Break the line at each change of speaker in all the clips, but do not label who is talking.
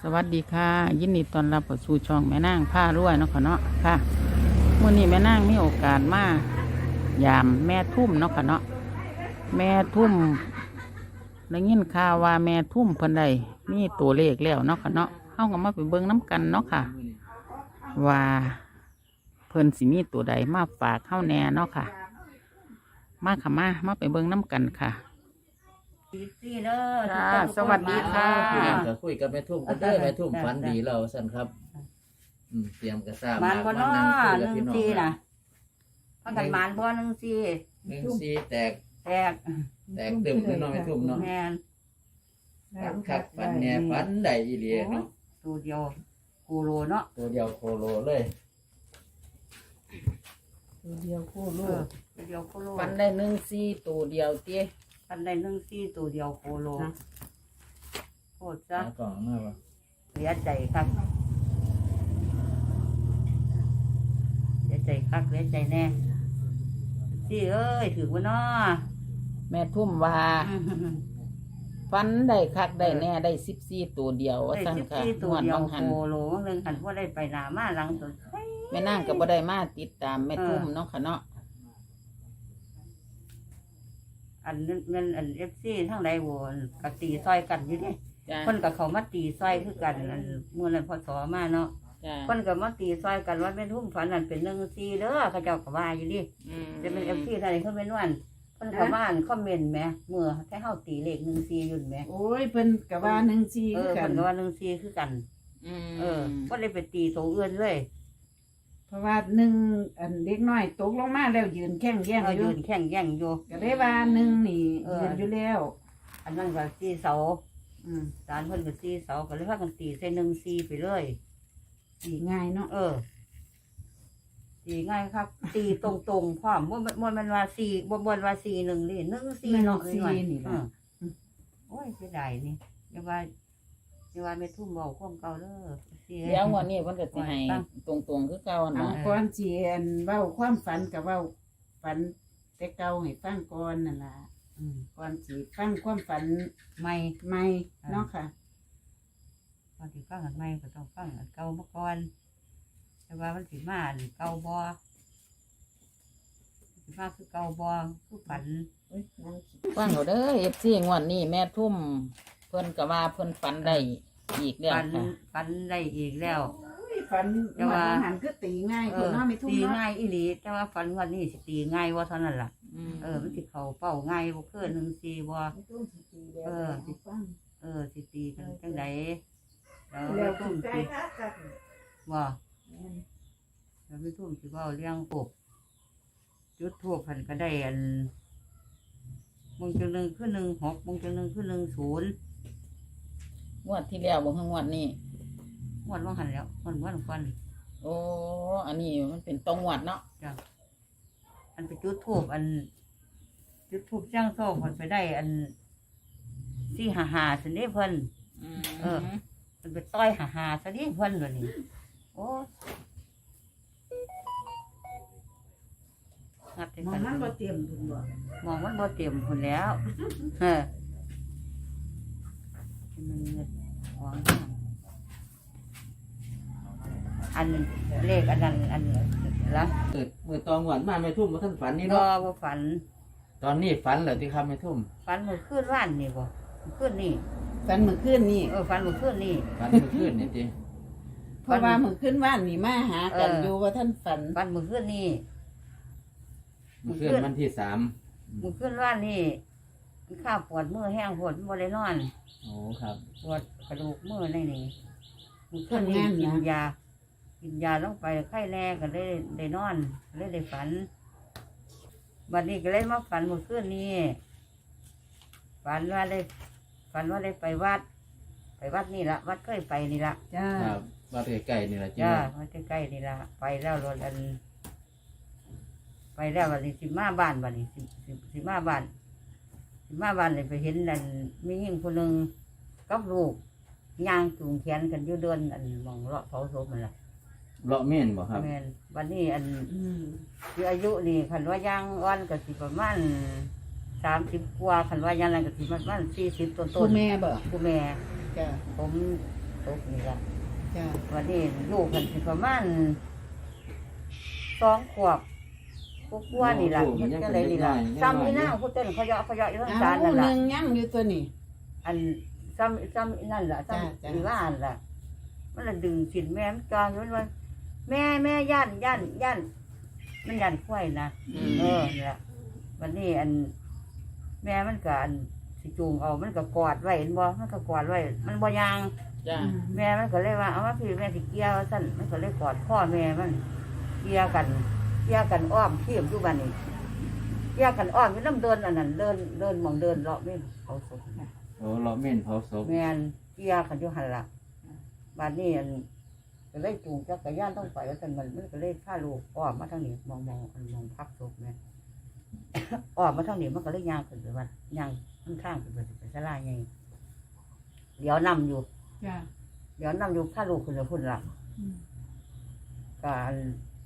สวัสดีค่ะยินดีต้อนรับเข้าสู่ช่องแม่นางผ้ารวยเนาะค่ะเนาะค่ะมื้อนี้แม่นางมีโอกาสมายามแม่ทุ่มเนาะค่ะเนาะแม่ทุ่มได้ยินข่าวว่าแม่ทุ่มเพิ่นได้มีตัวเลขแล้วเนาะค่ะเนาะเฮาก็มาไปเบิ่งน้ำกันเนาะค่ะว่าเพิ่นสิมีตัวใดมาฝากเฮาแน่เนาะค่ะมาค่ะมาไปเบิ่งน้ำกันค่ะจ้าสวัสดีค่ะ
ก็คุยกับแม่ทุ่มกันเด้อแม่ทุ่มฝันดีแล้วสั่นครับเตรียมกระซ่า
มันบ่
มา
เนาะ
นั่งคุยกับ
หนึ่
พี่
ง
น้อง
สี่น่ะพักกันมันบ่หนึ่งสี่
หนึ่งซีแตก
แตก
ตึมพี่น้องแม่ทุ่มเนาะ
แม่น
คักฝันแหน่ฝันได้อีหลีเนาะ
ตัวเดียวกูโลเนาะ
ตัวเดียวโคโลเลย
ตัวเดียวคู่
เอ
ลู
อก ตัวเดียวกูโล
ฟันได้14ตัวเดียวเตี้ย
พันได้หนึ่งสี่ตัวเดียวกูโลโคตรจ้ะ
หากล่องมาบ่
เสียใจครับเสียใจคักเสียใจแน่สี่เอ้ยถือว่าเนาะ
แม่ทุ่มว่าฟันได้คักได้แน่ได้14ตัวเดียวว่า
ได้
ซั่น
สิบ
ค่ะ
สี่ตัว
งวด
เดียว
บางหัน
กูโลหนึ่งหันว่าได้ไปหนามาหลังตัว
แม่นางก็บ่ได้มาติดตามแม่ทุ่มเนาะค่ะเนาะ
อันนั้นมันอันเอฟซีทั้งใดโวนกตีซอยกันอยู่นี่
จ้า
คนกับเขามาตีซอยคือกันอันเมื่อนั้นพอสอมาเนาะ
จ้า
คนกับมาตีซอยกันว่าเป็นทุ่มฝันนั่นเป็นหนึ่งซีเด้อเขาเจ้าก็ว่าอยู่ดิจะเป็นเอฟซีท่านนี้เขาเป็นวันคนเขามาอ่านคอมเมนต์ไหมเมื่อให้เฮาตีเลขหนึ่งซีอยู่ไหม
โอ้ยเพิ่นกะว่าหนึ่งซี
เอ
คือ
อ
กั
คน นก็ว่าหนึ่งซีคือกัน ก็เลยไปตีโตอื่นเลย
เพราะว่าหนึ่งอันเด็กน้อยตกลงมาแล้วยืนแข้งแย่ง
เรา
อยู่
ยืนแข่งแย่งอยู่
ก็ได้ว่าหนึ่งนี่ยืนอยู่แล้ว
อันนั้นก็ซีเสา
อืม
สารเพิ่นก็ซีเสาก็เลยพากันตีใส่หนึ่งซีไปเลย
สีง่ายเนาะ
ตีง่ายครับ ตีตรงๆพร้อมมันว่าสี่บนว่าสี่หนึ่งนี่หนึ่งสี่เนาะ
ซี
หน่อย
นี่
เอ
ล่ะ
อโอ้ยเสียดายนี่อย่าว่าไม่ทุ่มเบาความเก่าเด้อเสีย
เดี๋ยวงวดนี้เพิ่นก็สิให้ตรงๆคือเก่า
เอา
เนาะ
ก่อนสิอันเว้าความฝันกับเว้าฝันแต่เก่าให้ฟังก่อนนั่นล่ะ
อืม
ก่อนสิฟังความฝัน
ไม่
ใหม่เนาะค่ะ
ตอนที่ฟังอันไม่ก็ต้องฟังอันเก่ามาก่อนแต่ว่ามันสิมาอันเก่าบ่สิมาคือเก่าบ่คือฝัน
ฟังเอาเด้อ FC งวดนี้แม่ทุ่มเพิ่นก็ว่าเพิ่นฝันได้อีกแล้ว
ฝัน
ค่ะ
ฝันได้อีกแล้ว
โอ้ยฝัน
แต่ว่า
อาหารคือตีง่ายคนเนาะไม่ทุ่ม
ตี
เนาะ
ง่ายอีหลีแต่ว่าฝันวันนี้สิตีง่ายว่าเท่านั้นล่ะ มันสิเขาเป้าง่ายบ่คือหนึ่งสี่บ่
ไม่ทุ่มสิตีแบบ
เออ
ให้ฟัง
สิตีกันจังไดแล้ว
แล้ว
ทุ่
ถู
ม
กใจ
สิ
คัก
บ่
ๆแม่น
แล้วไม่ทุ่มสิเว้าเรื่องปกจุดทูปเพิ่นก็ได้อันมงจังหนึ่งคือ16มงจังหนึ่งคือ10
งวดที่แล้วบ่คืองวดนี้
งวดว่าหันแล้วมันฟัน
โอ้อันนี้มันเป็นตรงงวดเนาะ
จ้ะอันไปจุดทูปอัน จุดทูปจ้างโซ่เพิ่นไปได้อัน455ซั่นนี่เพิ่น เออ มันไปต้อยหาซะดิเพิ่นตัวนี้โอ้งับไป
มอ
กั
ง
น
มันบ่เตรียมพุ่นบ่
มองมันบ่เต็มคนแล้วเออมันเงินของอันเลขอันนั้นอันละ
มือตองหวานมาแม่ทุ่มบ่ทันฝันนี่
รอ
เนาะ
บ่ฝัน
ตอนนี้ฝันแล้วที่ครับแม่ทุ่ม
ฝันเมื่อคืนว่านนี่บ่เมื่อคืนนี่
ฝันมื้อคืนนี่
ฝันเมื่อคืนนี่
ฝันเมื่อคืนนี่ติ
เพราะว่ามื้อคืนว่านนี่มาหากัน
เออ
อ
อ
ยู่ว่าท่านฝัน
ฝันเมื่อคืนนี่
เมื่อคืนวันที่3
เมื่อคืนว่านนี่ข้าวปวดมือแห้งปวดบ่ได้นอน
โอ้ครับ
ปวดกระดูกมือในนี่มันขึ้นนี่กินยาลงไปไข้แน่ก็ได้นอนได้ฝันวันนี้ก็เลยมาฝันเมื่อคืนนี้ฝันว่าได้ไปวัดนี่ละวัดเคยไปนี่ละ
จ้า
ครับว่าใกล้ๆนี่ล่ะจิ
จ้าวัดใกล้ๆนี่ละไปแล้วรถอันไปแล้ววันนี้สิมาบ้านวันนี้สิมาบ้านเลยไปเห็นนั่นมีหญิงคนหนึ่งกับลูกย่างจูงแขนกันอยู่เดินอันมองเลาะเผาศพมันล่ะ
เลาะเม่นบ่ครับ
แม่นวันนี้อัน
อืม
คืออายุนี่คันว่าย่างอ่อนก็สิประมาณ30 กว่าคันว่าย่างอะไรก็สิประมาณ40 ต้
ผู้
น
แม่บ่
ๆผู้แม่
จ้า
ผมตกนี่ละ
จ้า
วันนี้ลูกมันสิประมาณ2 ขวบกว่านี่ล่ะเฮ็ดจังไดนี่ล่ะซ้ำนี่นางผู้เต้นเขาเยาะอยู่ทางศาลนั่น
ห
ล่ะ
นึ่งยังอยู่ตัวนี้
อันซ้ำนั่นล่ะซ้ำ
จ้ะ
อีว่าอันล่ะมันละดึงสินแม่มันจองอยู่มันว่าแม่ย่านมันย่านควายนะนี่ล่ะวันนี้อันแม่มันก็อันสิจูงเอามันก็กอดไว้เห็นบ่มันก็กอดไว้มันบ่ยาง
จ้า
แม่มันก็เลยว่าเอามาพี่แม่สิเกี่ยวสั่นมันก็เลยกอดพ่อแม่มันเกี่ยวกันอ้อมเทียมอยู่บ้านนี้เกี่ยวกันอ้อมอยู่น้ำเดินอันนั้นเดินมองเดินเลาะแม่นเขาศพ
โอ้เราเม่นเผาศพ
แม่นเกี่ยวกันอยู่หันละบ้านนี้อันก็เลยจูงจักรยานต้องไปแล้วสั่นมันก็เลยพาลูกอ้อมมาทางนี้มองพักศพแม่ อ้อมมาทางนี้มันก็เลยย่างขึ้นไปว่าย่างข้างๆขึ้นไปศาลาไงเดี๋ยวนำอยู่
จ้า
เดี๋ยวนำอยู่พาลูกขึ้นไปพุ่นละ การ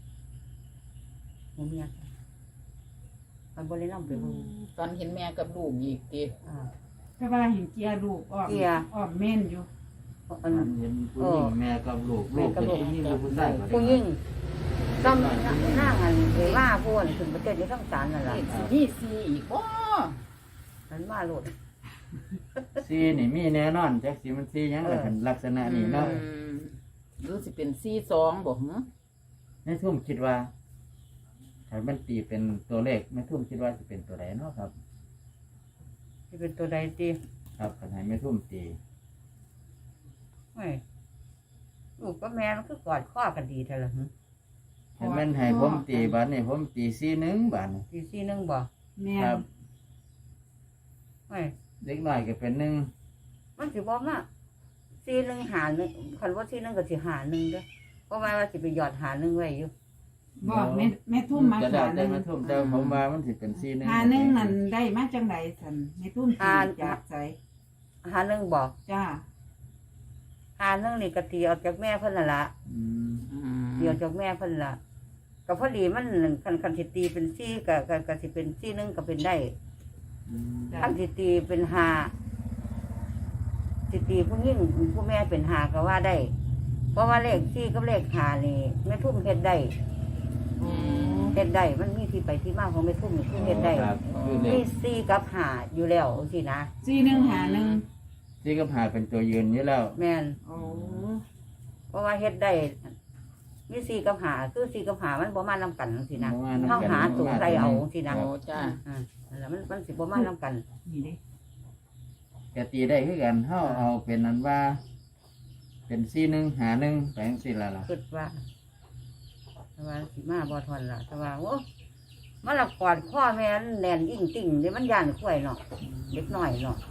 เมียมันบริน้ำไปบุญ
ตอนเห็นแม่กับลูกอีกติ
ถ้าว่าเห็นเกียร์ลูกออกออกเม่นอยู่
อัน
เห็นผู้หญิงแม่กับลูกเป็นผู้หญิงหรือผู้ชายก็ได้
ผู้ยิ่งซ้ำนั่งอันว่าพูนถึงประเทศนี้ทั้งสารนั่นแหละ
นี่ซีอีกบ่
มันมาโหลด
ซีนี่มีแน่นอนจักสิมันซีหยังล่ะคันลักษณะนี้เนาะ
หรือสิเป็นซี2บ่หึ
ในทุ่มคิดว่าถ้ามันตีเป็นตัวเลขแม่ทุ่มคิดว่าจะเป็นตัวใดเนาะครับ
ที่เป็นตัวใดตี
ครับคันให้แม่ทุ่มตี
ไม่ลูกก็แม่มันคือกอดข้อกันดีเท่าไหร่
ให้มันให้ผมตีบัดนี้ผมตี41บัดนี้
ตีซี่นึงบ่
แม่
ครับ
ไม่
เด็กน้อยก็เป็นหนึ่ง
มันสิบอกว่าซี่นึงหานึงคันว่าซี่นึงก็สิหานึงเด้อเพราะว่าสิไปหยอดหานึงไว้อยู่
บอกแม่ทุ่มมา
จะได้
หาห
แต่
นึ่ง
แม่ทุ่มแต่ผมว่ามันสิเป็น41
หาหนึ่งนั่นได้มาจังไดสันแม่ทุ่มตีจากใจ
หานึงบ่
จ้า
หานึงนี่ก็ตีออกจากแม่เพิ่นน่ะล่ะ
อืม
เดี๋ยวจากแม่เพิ่นละก็พอดีมันคันสิตีเป็นซี่ก็สิเป็นซี่นึงก็เป็นได้
อืม
คันสิตีเป็นหาสิตีผู้ยิ่งผู้แม่เป็นหาก็ว่าได้ เพราะว่าเลขซี่กับเลขหานี่แม่ทุ่มเฮ็ดได้เฮ็ดได้มันมีที่ไปที่มาของแม่ทุ่มนี่คือเฮ็ดได้
ครับคือเล
มี
ข
ซี่กับหาอยู่แล้วสินะ
สี่หนึ่งหาหนึ่ง
ที่กับหาเป็นตัวยืนอยู่แล้ว
แม่น
โอ้
เพราะว่าเฮ็ดได้มีซี่กับหาคือซี่กับหามันบ่มานำกันสินะ
บ่มานำกัน
เฮาหาตัวใส่เอาสินะ
โอ้จ้า
นั่นแหละมันสิบ่มานำกัน
นี่เด้
ก็ตีได้คือกันเฮาเอาเป็นนั้นว่า เป็น41 51ไปจังซี่ล่ะล่ะ
คิดว่าแต่ว่าสิมาบ่ทนล่ะแต่ว่าโอ้มันละกอดข้อแม่นแน่นอิ่งติ่งเดี๋ยวมันย่านข่วยเนาะเด็กน้อยเนาะ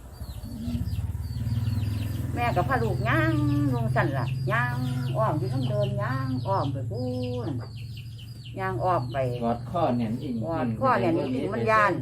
แม่กับพาลูกย่างลงสั่นล่ะย่างอ้อมอยู่ทั้งเดินย่างอ้อมไปพูนย่างอ้อมไป
กอดข้อแน่นอิง
กอดข้อแน่นอิ่งมันย่าน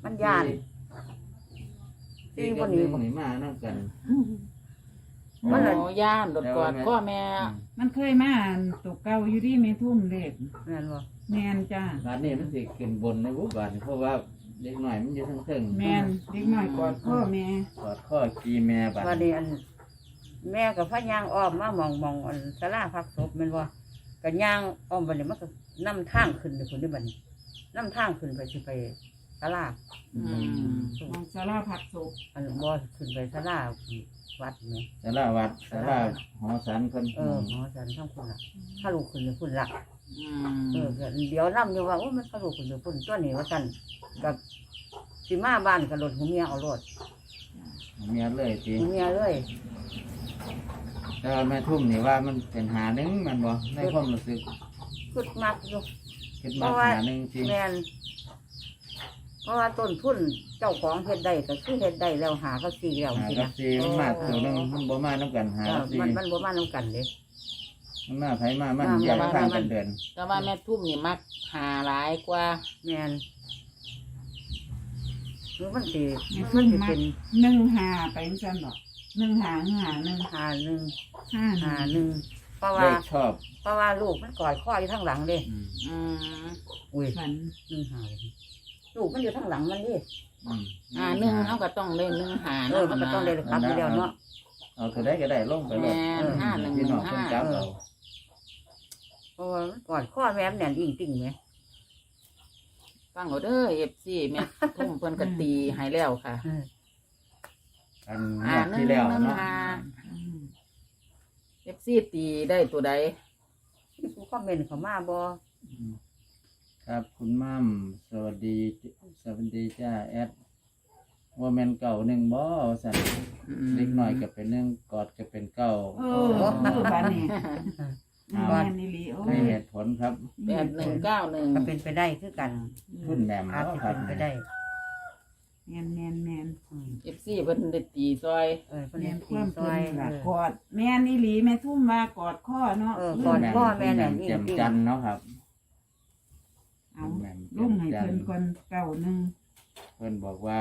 ตีคนนี้
นี่มานำกัน
มันละ
โอ้ย่านรถกอดข้อแม่
มันเคยมาตกเก่าอยู่ที่แม่ทุ่มเล็ก
แม่นบ่
แมนจ้า
บาดนี้มันสิขึ้นบนในบุบาดเพราะว่าเด็กน้อยมันอยู่ทั้งเทิง
แมนเด็กน้อยกอดพ่อแม่
กอดข้อกีแม่บาด
ว่านี้อันแม่กับพะย่างอ้อมมามองอันศาลาพักศพแม่นบ่ก็ย่างอ้อมบัดนี้มันก็นำทางขึ้นไปคนนี้บัดนี้นำทางขึ้นไปสิไปศาลา
มองสาราผักศพ
อันบ่ขึ้นไปศาลาวัดนี่
ศาลาวัดศาลาหอสันเพิ่น
หมอสันทั้งคุณล่ะถ้าลูกขึ้นไปพุ่นละ
อื
ก็เดี๋ยวนํอยู่ว่าโอ้มันถ้าลูกขึ้นไปพุ่นตัวนี้ว่าซั่นกับสิมาบ้านก็รถหูเมียเอารถ
เมียเลยติ
หูเมียเลย
แต่ว่าแม่ทุ่มนี่ว่ามันเป็น51มันบ่ในความรู้สึก
คึดมักอยู่
คิดว่า51จริง
แม่นเพราะว่าต้นทุนเจ้าของเฮ็ดได้ก็คือเฮ็ดได้แล้วหาเขาซีแล้ว
หา
สิ
กับ
นะ
ซีมันมาตัวนึงมันบ่มานํกันหากับซี
มันบ่มานํกันเด้
มันมาไผมามันแยกทางกันเดิน
แต่ว่าแม่ทุ่มนี่มักหาหลายกว่า
แม่นหรือมันสิ
แม่
มั
ทุ่
น
ม
สิ
มา
เป็น
หนึ่งหาไปจังซั่นดอกหนึ่งหาหนึ่ง
หาหนึ่ง
ห้า
หาหนึ่งเพราะ
เล
ว่า
ขชอบ
เพราะว่าลูกมันกอดข้ออยู่ข้างหลังเด้
อืม
อุ้ย
ฝัน
หาลูกมันอยู่ข้างหลังมันดิ
1เฮาก็ต้องเล่น1หา
มันก็ต้องได้ครับอยู่แล้วเนาะ
เอาตัวได้ก็ได้ลงไปเลย
แม่น5115
พี่น้องเพิ่นจับเอา
เพราะว่ามันกอดข้อแม่มแน่นอิ่งติ่งไหม
ฟังเอาเด้อ FC แม่ทุ่มเพิ่นก็ตีให้แล้วค่ะ
อันงวดที่แล้วเนาะ
FC ตีได้ตัวใด
ผู้คอมเมนต์เขามาบ่
ครับคุณมั่มสวัสดีจ้าแอดว่าแม่นเก่าหนึ่งบ่สั่นเล็กน้อยก็เป็นหนึ่งกอดก็เป็นเก่า
บ้านนี้แม่นี่ลีโอ้
ให้
ย
เหตุผลครับ
ก็เป็นไปได้คือกัน
คุณแหม่ม
อาจ
เนาะ
จะ
ครั
เป็
บ
นไปได้
แม่น
FC เพิ่นได้ตีซอย
เพิ่น
แม่
เห็น
นค
ตี
วาม
ซ
เพิ่
อย
นล่ะกอดแม่นี่ลีแม่ทุ่มมากอดข้อเนาะ
กอดพ่อแม่
คุณ
แน่
แหม่ม
นอิ่
เจีย
ง
ม
ติ่ง
จันทร์เนาะครับ
เอา
คุณแหม่มเจี
ลุ
ย
ง
ม
ให้
จัน
เพิ่
ท
น
ร์
ก่อนเก่าหนึ่ง
เพิ่นบอกว่า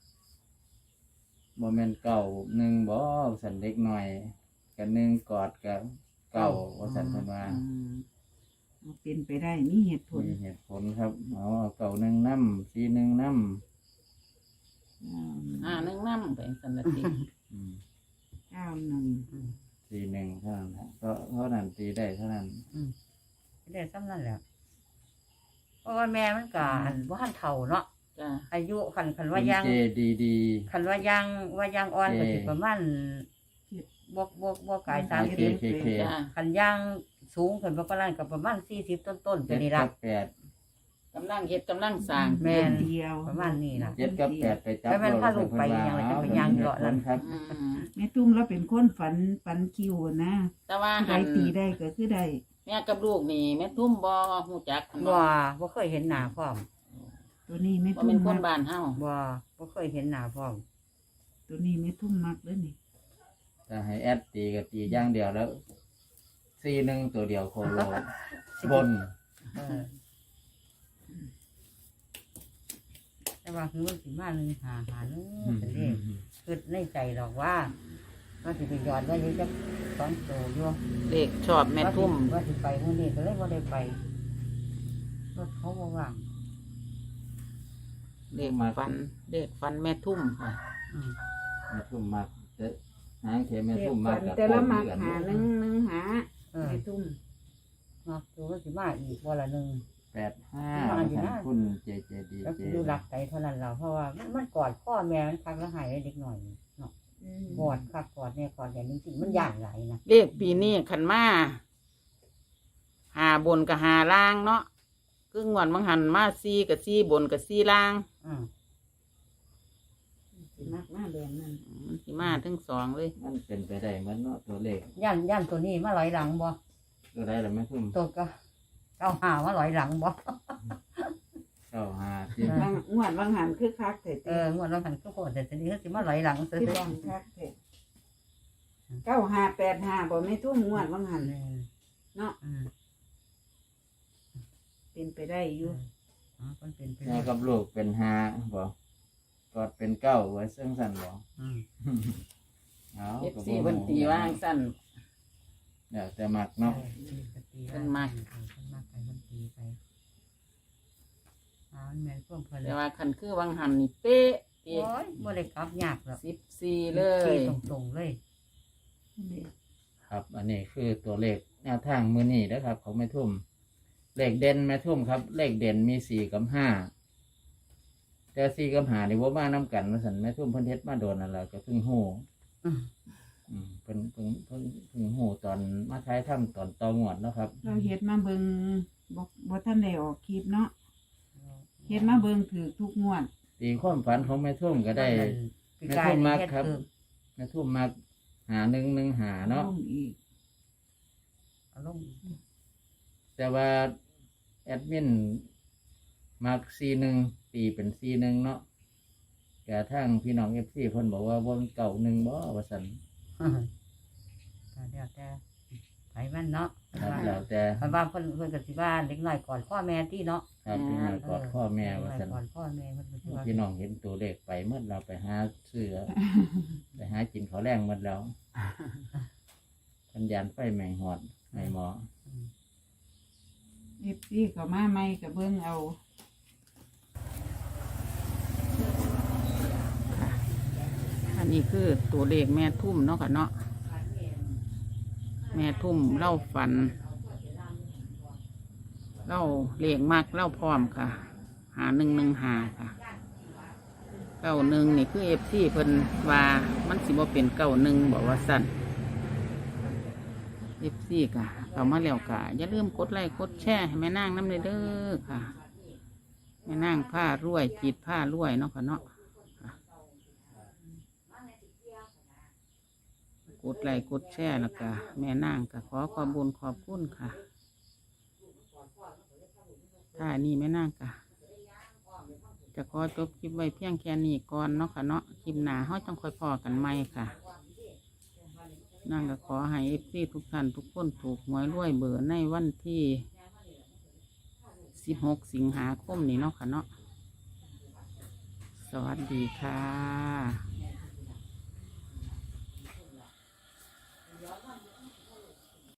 บ่แม่นเก่าหนึ่งบ่สั่นเล็กน้อยกับหนึ่งกอดกับเก่าว่าสั่นเพิ่นว่า
เอาเป็นไปได้มีเหตุผล
มีเหตุผลครับเอาเก่าหนึ่งน้ำสีหนึ่งน้
1นำไปสันละติ
ำ
91
สีหนึ่งเท่านั้นครับเพราะนั้นตีได้เท่านั้น
ได้ซ้ำนั่นแหละเพราะว่าแม่มันก็อันว่าหันเฒ่าเนาะ
จ้า
อายุคันว่ายัง
เจดี
คันว่ายังอ่อนก็สิประมาณบ่กาย30
เค
จ้า
คันย่างสูงขึ้นประมาณกับประมาณ40ต้นๆไป
เจ็ด
นี่
กั
ล่ะ
บแปด
กำลังเฮ็ดกำลังสร้าง
แม่น
เดียว
ประมาณนี้ล่ะ
เจ็ดกับแปดไปจับ
แล้วมันพาลูกไปยังไงจะไปย่างเลาะนั่น
ครับ
แม่ตุ้มเราเป็นคนฝันคิวนะ
แต่ว่า
ใคร
หัน
ตีได้ก็คือได้
แม่กับลูกนี่แม่ทุ่มบ่ฮู้จัก
บ่เคยเห็นหน้าพร้อม
ตัวนี้แม่
บ่
ตุ้
เป็
ม
นคน
มัก
บ้านเฮา
บ่เคยเห็นหน้าพร้อม
ตัวนี้แม่ตุ้มมักเด้อนี่
ถ้าให้แอดตีก็ตีอย่างเดียวแล้วสีหนึ่งตัวเดียวโคโลบน
แต่ว่าคือมันสิมา1 5 5เป็นเลขคือในใจดอกว่าสิไปย้อนว่าอยู่จัก2โตอยู่
เลขชอบแม่ทุ่ม
ว่าสิไปมื้อนี้ก็เลยบ่ได้ไปรถเขาบ่ว่าง
เลขฟันแม่ทุ่มค่ะ
แม่ทุ่มมักแต่หางเขแม่ทุ่มมักกับ
แต่ละมัก
โป่ง
หา
เดือน
หนึ่งหา
เออ
แม่ตุ้ม
เนาะตัวมันสิมาอีกบ่ละนึง
85คุณเจดี
แล้ว
เจ
ดูหลักใจเท่านั้นเราเพราะว่ามันกอดพ่อแม่มันคักแล้วหายเด็กหน่อยเนาะกอดคักกอดเนี่ยกอดอย่างจริงๆมันย่านหลายนะ
เลขปีนี้ขันมาหาบนกับหาล่างเนาะครึ่งวันบางหันมาซีกับซีบนกับซีล่าง
สิมักหน้าแดงนั่น
มันสิมาทั้งสองเลย
มันเป็นไปได้เหมือนเนาะตัวเลข
ย่านตัวนี้มาลอยหลังบ่
ตัวใดล่ะแม่ทุ่ม
ตัวก็เอาหามาลอยหลังบ่
95ที่
งวดบางหันคือคักแต่
งวดเราหันก็โคตรแต่ทีนี้ก็สิมาลอยหลังซื้อ
ที่ดังคักแต่9585บ่แม่ตุ้มงวดบางหันเนาะเป็นไปได้อยู่
มันเป็นไป
แม่
ได้
กับลูกเป็น5บ่กอดเป็นเก้าไว้ซึ่งสั่นบ่เอา
เอฟซีเพิ่นตีว่างสั้น
เดี๋ยวแต่มักเนาะ
มันมากมันมากไปมันตีไปมันแม่นพวกเพิ่น
แต่ว่าคันคือวังหันนี่เป๊ะตี
โอ้ยบ่ได้กลับยากหรอก
14เลย
ตรงๆเลย
ครับ อันนี้คือตัวเลขแนวทางมื้อนี้นะครับของแม่ทุ่มเลขเด่นแม่ทุ่มครับ เลขเด่นมี4กับ5แต่4กับ5นี่บ่มานํกันว่าซั่นแม่ทุ่มเพิ่นเฮ็ดมาโดนนั่นแหละก็เพิ่งฮู้เพิ่นฮู้ตอนมาท้ายถ้ำตอนตองวดเนาะครับ
เราเฮ็ดมาเบิ่งบ่ทันได้ออกคลิปเนาะเฮ็ดมาเบิ่งถือทุกงวด
ตีความฝันของแม่ทุ่มก็ได้
ปีกายนี่เฮ็ดคือ
แม่ทุ่มมัก115เนาะ
ลงอีก
อารมณ์
แต่ว่าแอดมินมัก41ตีเป็น41เนาะแต่ทางพี่น้อง FC เพิ่นบอกว่าบ่มันเก่า1บ่ว่าซั่น
ก็แล้วแต่ไผมันเนาะ
ครับแล้วแต่
บางเพิ่นก็สิว่าเด็กน้อยก่อนพ่อแม่ที่เนาะ
ครับพี่น้องกอดพ่อแม่ว่าซั่น
ก่อนพ่อแม่เพิ่นก็สิว่า
พี่น้องเห็นตัวเลขไปเมื่อเราไปหาซื้อ ไปหากินข้าวแรงหมดแล้วพันยานไฟแมงหอดในหมอ
FC ก็มาใหม่ก็เบิ่งเอา
คอันนี้คือตัวเลขแม่ทุ่มเนาะค่ะเนาะแม่ทุ่มเล่าฝันเล่าเลขมากเล่าพร้อมค่ะ หาค่ะ91นี่คือFCเพิ่นว่ามันสิบ่เป็น91บอกว่าสั่น FC ค่ะเข้ามาแล้วค่ะอย่าลืมกดไลค์กดแชร์ให้แม่นางน้ำเด้อค่ะแม่นางผ้ารวยจีดผ้ารวยเนาะค่ะเนาะกดไลค์กดแชร์แล้วก็แม่นางก็ขอความบุญขอบคุณค่ะถ้านี่แม่นางก็จะขอจบคลิปไว้เพียงแค่นี้ก่อนเนาะค่ะเนาะคลิปหน้าเราต้องค่อยพอกันใหม่ค่ะนั่งก็ขอให้FCทุกท่านทุกคนถูกหวยรวยเบอร์ในวันที่16 สิงหาคมนี้เนาะค่ะเนาะสวัสดีค่ะ